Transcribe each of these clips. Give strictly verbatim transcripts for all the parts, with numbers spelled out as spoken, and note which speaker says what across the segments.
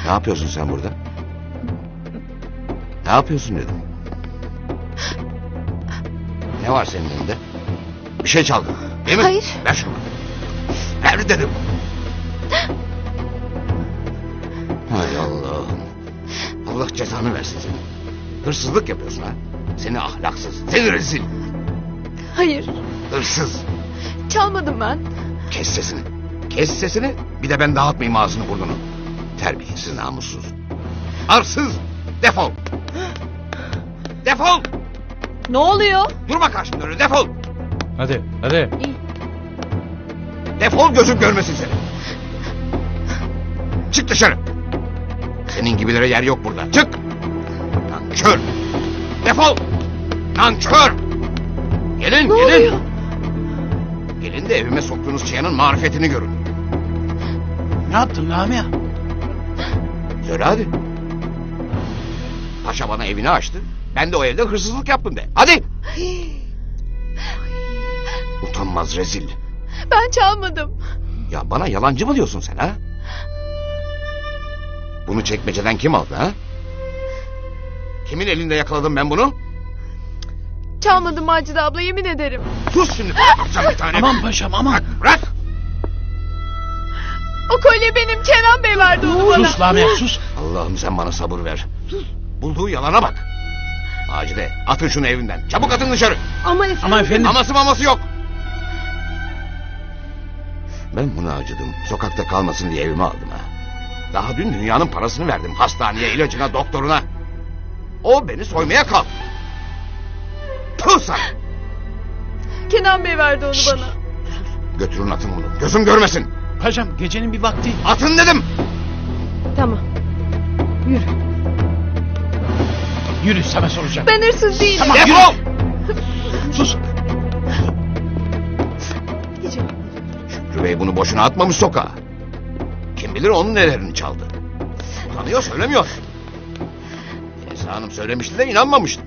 Speaker 1: Ne yapıyorsun sen burada? Ne yapıyorsun dedim. Ne var senin elinde? Bir şey çaldın değil mi?
Speaker 2: Hayır.
Speaker 1: Ver şunu. Ver dedim. Hay Allah'ım. Allah cezanı versin seni. Hırsızlık yapıyorsun ha. Seni ahlaksız, seni rezil.
Speaker 2: Hayır.
Speaker 1: Hırsız.
Speaker 2: Çalmadım ben.
Speaker 1: Kes sesini. Kes sesini. Bir de ben dağıtmayayım ağzını burnunu. Terbiyesiz, namussuz. Arsız. Defol. Defol.
Speaker 2: Ne oluyor?
Speaker 1: Durma karşımda öyle, defol.
Speaker 3: Hadi hadi.
Speaker 1: Defol, gözüm görmesin seni. Çık dışarı. Senin gibilere yer yok burada. Çık. Nankör. Defol. Nankör. Gelin,
Speaker 2: Ne
Speaker 1: gelin.
Speaker 2: oluyor?
Speaker 1: Gelin de evime soktuğunuz çıyanın marifetini görün.
Speaker 3: Ne yaptın Lamia?
Speaker 1: Söyle hadi. Paşa bana evini açtı. Ben de o evde hırsızlık yaptım de. Hadi. Utanmaz rezil.
Speaker 2: Ben çalmadım.
Speaker 1: Ya bana yalancı mı diyorsun sen ha? Bunu çekmeceden kim aldı ha? Kimin elinde yakaladım ben bunu?
Speaker 2: Çalmadım Macide abla, yemin ederim.
Speaker 1: Sus şimdi, atacağım bir tane.
Speaker 3: Aman paşam aman.
Speaker 1: Bırak, bırak.
Speaker 2: O kolye benim, Kenan Bey verdi onu bana.
Speaker 3: Sus Lamia sus.
Speaker 1: Allah'ım sen bana sabır ver. Bulduğu yalana bak. Macide, atın şunu evinden. Çabuk atın dışarı.
Speaker 2: Ama efendim.
Speaker 3: Ama efendim.
Speaker 1: Aması maması yok. Ben buna acıdım. Sokakta kalmasın diye evime aldım ha. Daha dün dünyanın parasını verdim. Hastaneye, ilacına, doktoruna. O beni soymaya kalktı. Puh sana.
Speaker 2: Kenan Bey verdi onu bana.
Speaker 1: Götürün atın bunu. Gözüm görmesin.
Speaker 3: Paşam gecenin bir vakti.
Speaker 1: Atın dedim.
Speaker 2: Tamam. Yürü.
Speaker 3: Yürü sana soracağım.
Speaker 2: Ben hırsız değilim.
Speaker 3: Tamam.
Speaker 1: Defol.
Speaker 3: Sus.
Speaker 2: Gideceğim.
Speaker 1: Şükrü Bey bunu boşuna atmamış sokağa. Kim bilir onun nelerini çaldı. Tanıyor, söylemiyor. Esra Hanım söylemişti de inanmamıştı.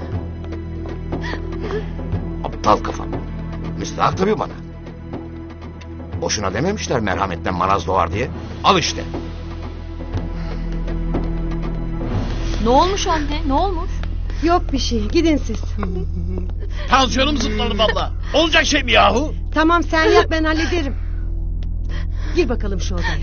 Speaker 1: Aptal kafam. Müstahak tabii bana. Boşuna dememişler merhametten maraz doğar diye. Al işte.
Speaker 4: Ne olmuş anne? Ne olmuş?
Speaker 5: Yok bir şey. Gidin siz.
Speaker 3: Tansiyonum zıpladı valla. Olacak şey mi yahu?
Speaker 5: Tamam sen yap, ben hallederim. Gir bakalım şu odaya.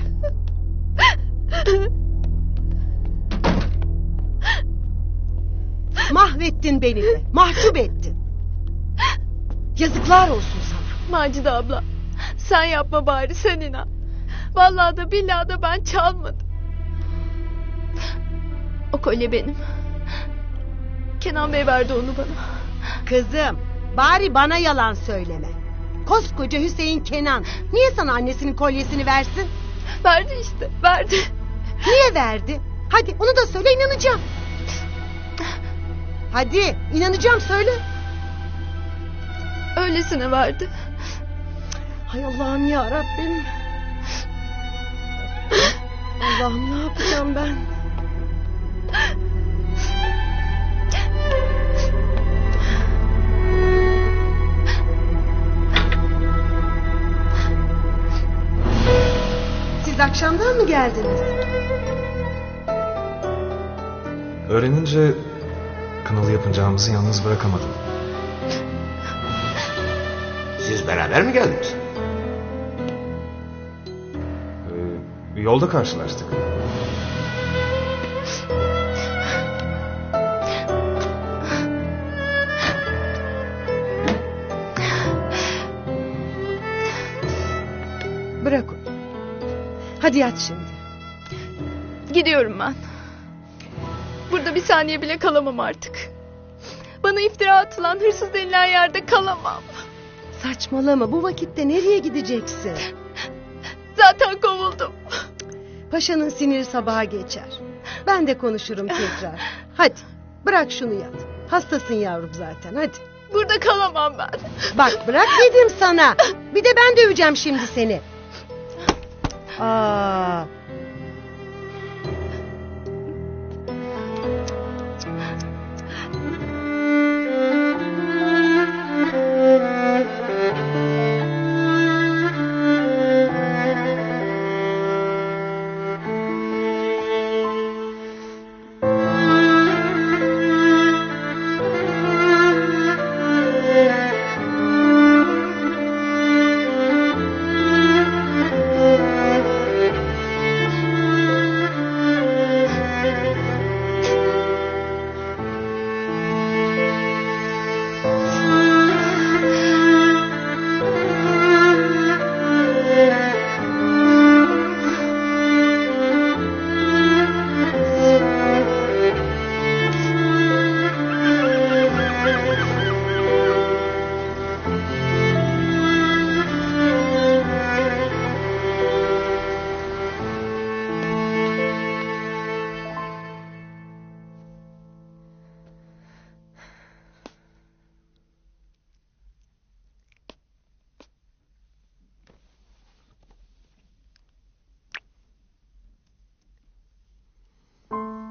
Speaker 5: Mahvettin beni de. Mahcup ettin. Yazıklar olsun sana.
Speaker 2: Macide abla, sen yapma bari, sen inan. Vallahi da billahi da ben çalmadım. O kolye benim. Kenan Bey verdi onu bana.
Speaker 5: Kızım, bari bana yalan söyleme. Koskoca Hüseyin Kenan niye sana annesinin kolyesini versin?
Speaker 2: Verdi işte, verdi.
Speaker 5: Niye verdi? Hadi onu da söyle, inanacağım. Hadi inanacağım, söyle.
Speaker 2: Öylesine verdi.
Speaker 5: Hay Allah'ım ya Rabbim. Allah'ım ne yapacağım ben? Siz akşamdan mı geldiniz?
Speaker 6: Öğrenince kınalı yapacağımızı yalnız bırakamadım.
Speaker 1: Siz beraber mi geldiniz?
Speaker 6: Ee, yolda karşılaştık.
Speaker 5: Bırak onu. Hadi yat şimdi.
Speaker 2: Gidiyorum ben. Burada bir saniye bile kalamam artık. Bana iftira atılan hırsız denilen yerde kalamam.
Speaker 5: Saçmalama, bu vakitte nereye gideceksin?
Speaker 2: Zaten kovuldum.
Speaker 5: Paşanın siniri sabaha geçer. Ben de konuşurum tekrar. Hadi bırak şunu yat. Hastasın yavrum zaten, hadi.
Speaker 2: Burada kalamam ben.
Speaker 5: Bak bırak dedim sana. Bir de ben döveceğim şimdi seni. Aa.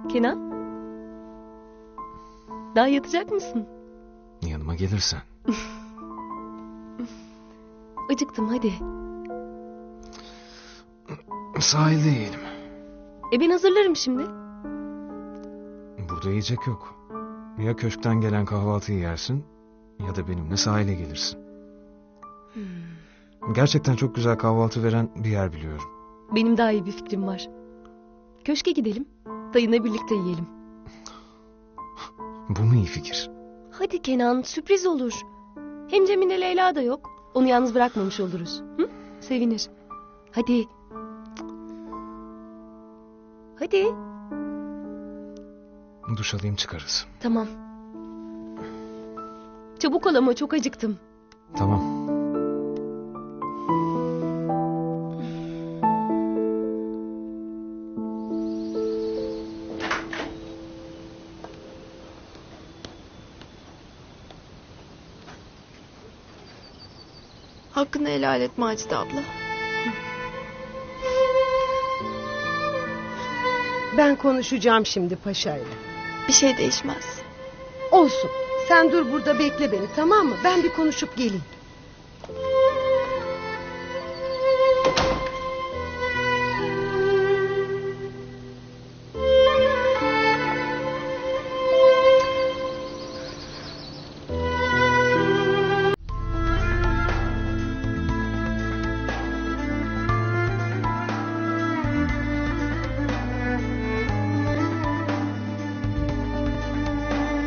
Speaker 4: Kenan? Daha yatacak mısın?
Speaker 6: Yanıma gelirsen.
Speaker 4: Acıktım hadi.
Speaker 6: Sahilde yiyelim.
Speaker 4: E ben hazırlarım şimdi.
Speaker 6: Burada yiyecek yok. Ya köşkten gelen kahvaltıyı yersin ya da benimle sahile gelirsin. Gerçekten çok güzel kahvaltı veren bir yer biliyorum.
Speaker 4: Benim daha iyi bir fikrim var. Köşke gidelim. Dayınla birlikte yiyelim.
Speaker 6: Bu mu iyi fikir?
Speaker 4: Hadi Kenan, sürpriz olur. Hem Cemile Leyla da yok. Onu yalnız bırakmamış oluruz. Hı? Sevinir. Hadi. Hadi.
Speaker 6: Duş alayım çıkarız.
Speaker 4: Tamam. Çabuk ol ama çok acıktım.
Speaker 6: Tamam.
Speaker 2: Hakkını helal et Macide abla.
Speaker 5: Ben konuşacağım şimdi paşayla.
Speaker 2: Bir şey değişmez.
Speaker 5: Olsun. Sen dur burada bekle beni, tamam mı? Ben bir konuşup geleyim.